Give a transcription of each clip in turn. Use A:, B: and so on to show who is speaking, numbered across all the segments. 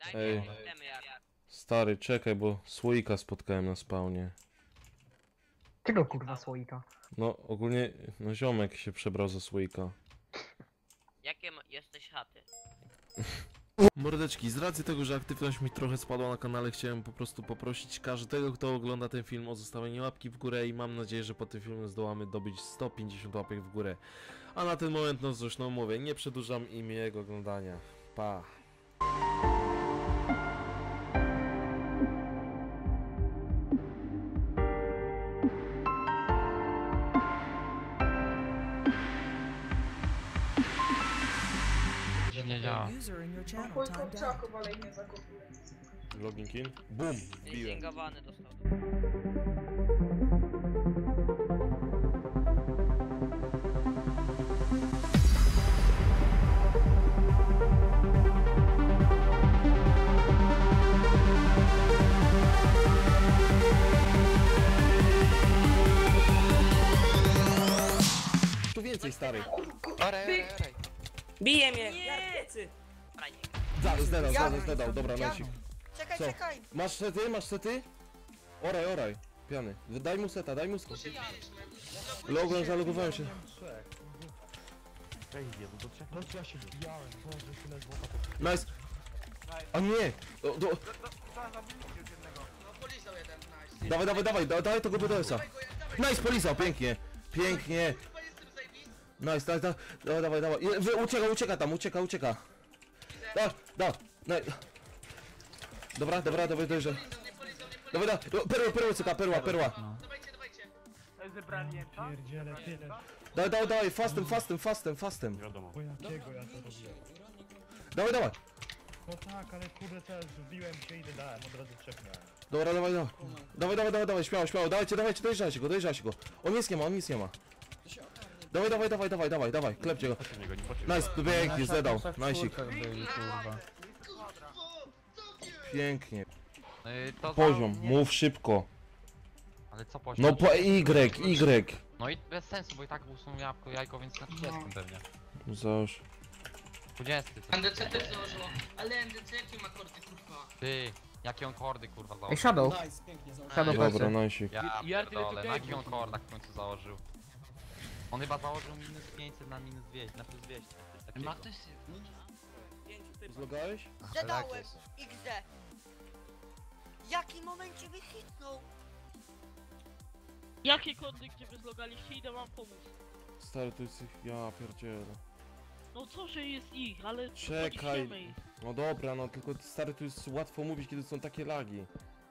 A: Ej,
B: Wiemy jak.
A: stary, czekaj, bo słoika spotkałem na spawnie.
C: Czego kurwa słoika?
A: No, ogólnie, no ziomek się przebrał za słoika.
B: Jakie jesteś chaty?
A: Mordeczki, z racji tego, że aktywność mi trochę spadła na kanale, chciałem po prostu poprosić każdego, kto ogląda ten film, o zostawienie łapki w górę i mam nadzieję, że po tym filmie zdołamy dobyć 150 łapek w górę. A na ten moment, no cóż, no mówię, nie przedłużam i miłego oglądania. Pa!
D: Nie działa.
E: User in your channel
F: Mój
E: timed out.
F: kurczaku walej nie zakupuje.
A: Login in? Bum! Wbiłem.
B: Zingowany dostał.
A: Tu więcej, stary!
G: Bije mnie! Ja plecy!
A: Zdedał, dobra, nosik.
H: Czekaj,
A: Co?
H: czekaj!
A: Masz sety, masz sety? Oraj, piany. Daj mu seta, daj mu seta. Logo, zalogowałem się. Nice. A nie! Dawaj tego BDS-a. Nice, polizał, pięknie. Pięknie. Nice, dawaj. Ucieka tam, ucieka. Dobra, dojrze. Dawaj, perła. Dawaj, fastem. Dawaj.
I: No tak, ale kurde też wbiłem się i dodałem, od razu czeknąłem.
A: Dobra, dawaj, śmiało, dawajcie, dojeżdżajcie go. On nic nie ma. Dawaj, klepcie go. Nice, pięknie, zdedał, nice'ik. Pięknie.
D: To
A: Poziom,
D: za- nie-
A: mów szybko.
D: Ale co poziom?
A: No po Y.
D: No i bez sensu, bo i tak usuną jajko, więc na 30 pewnie.
A: Załóż.
D: 20.
J: NDC też założyło, ale NDC jakie ma kordy kurwa?
D: Ty, jakie on kordy kurwa
C: Ej,
D: założył?
C: Shadow. Shadow
A: Dobra,
C: plecy.
A: nice'ik.
D: Ja pierdolę, na jakich on kordach w końcu założył? On chyba założył minus 500 na minus 200, na plus 200. Ma ktoś...
A: Zlogałeś?
H: Zadałem XD. W jakim momencie wychytnął?
J: Jakie kordy, gdzie wy zlogaliście? Idę wam pomóc.
A: Stary, to jest ich... Ja pierdzielę.
J: No co, że jest ich, ale...
A: Czekaj.
J: podniesiemy ich.
A: No dobra, no tylko stary, tu jest łatwo mówić, kiedy są takie lagi.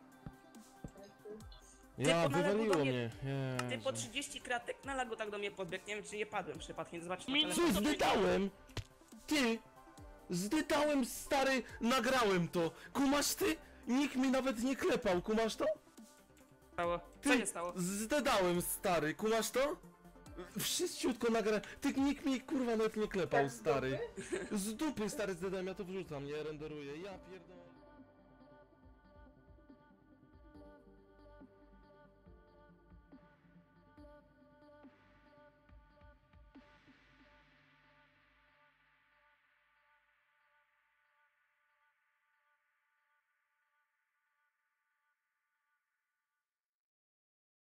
A: Ja,
G: Ty po
A: wywaliło
G: nalegu do
A: mnie.
G: Ty po
A: Jezu.
G: 30 kratek na lagu tak do mnie podbiegł, nie wiem czy nie padłem przypadkiem, zobaczcie na
J: Minus-
G: telefon.
A: Co, zdydałem? Ty! Zdydałem, stary, nagrałem to. Kumasz ty? Nikt mi nawet nie klepał, kumasz to?
G: Stało. Co
A: Ty,
G: się stało?
A: zdedałem, stary, kumasz to? Wszyściutko nagrałem. Ty, nikt mi kurwa nawet nie klepał, stary. Z dupy, stary, zdedałem, ja to wrzucam, nie renderuję, ja pierdolę.